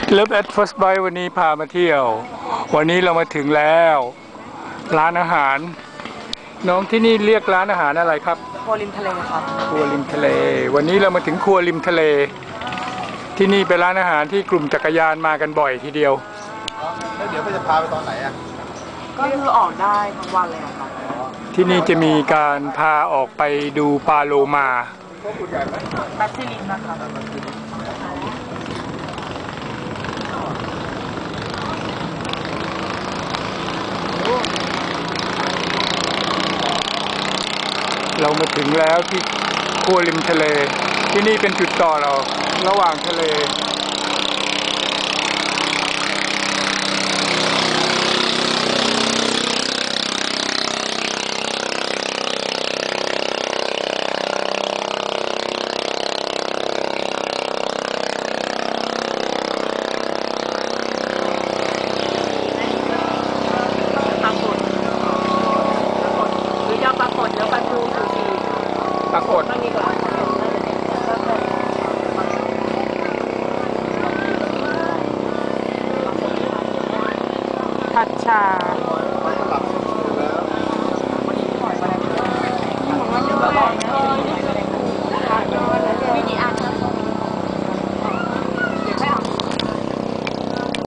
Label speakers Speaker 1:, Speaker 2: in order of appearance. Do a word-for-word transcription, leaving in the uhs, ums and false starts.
Speaker 1: เลิฟแอดฟัสไบวันนี้พามาเที่ยววันนี้เรามาถึงแล้วร้านอาหารน้องที่นี่เรียกร้านอาหารอะไรครับ
Speaker 2: ครัวริมทะเลครับ
Speaker 1: ครัวริมทะเลวันนี้เรามาถึงครัวริมทะเลที่นี่เป็นร้านอาหารที่กลุ่มจักรยานมากันบ่อยทีเดียว
Speaker 3: แล้วเดี๋ยวก็จะพาไปตอนไหนอ่ะ
Speaker 2: ก็คือออกได้ทั้งวันเลยครับ
Speaker 1: ที่นี่จะมีการพาออกไปดูปลาโลมา
Speaker 2: แบสซิลินนะครับ
Speaker 1: เรามาถึงแล้วที่ครัวริมทะเลที่นี่เป็นจุดต่อเราระหว่างทะเลปรากฏ
Speaker 2: ผัดชา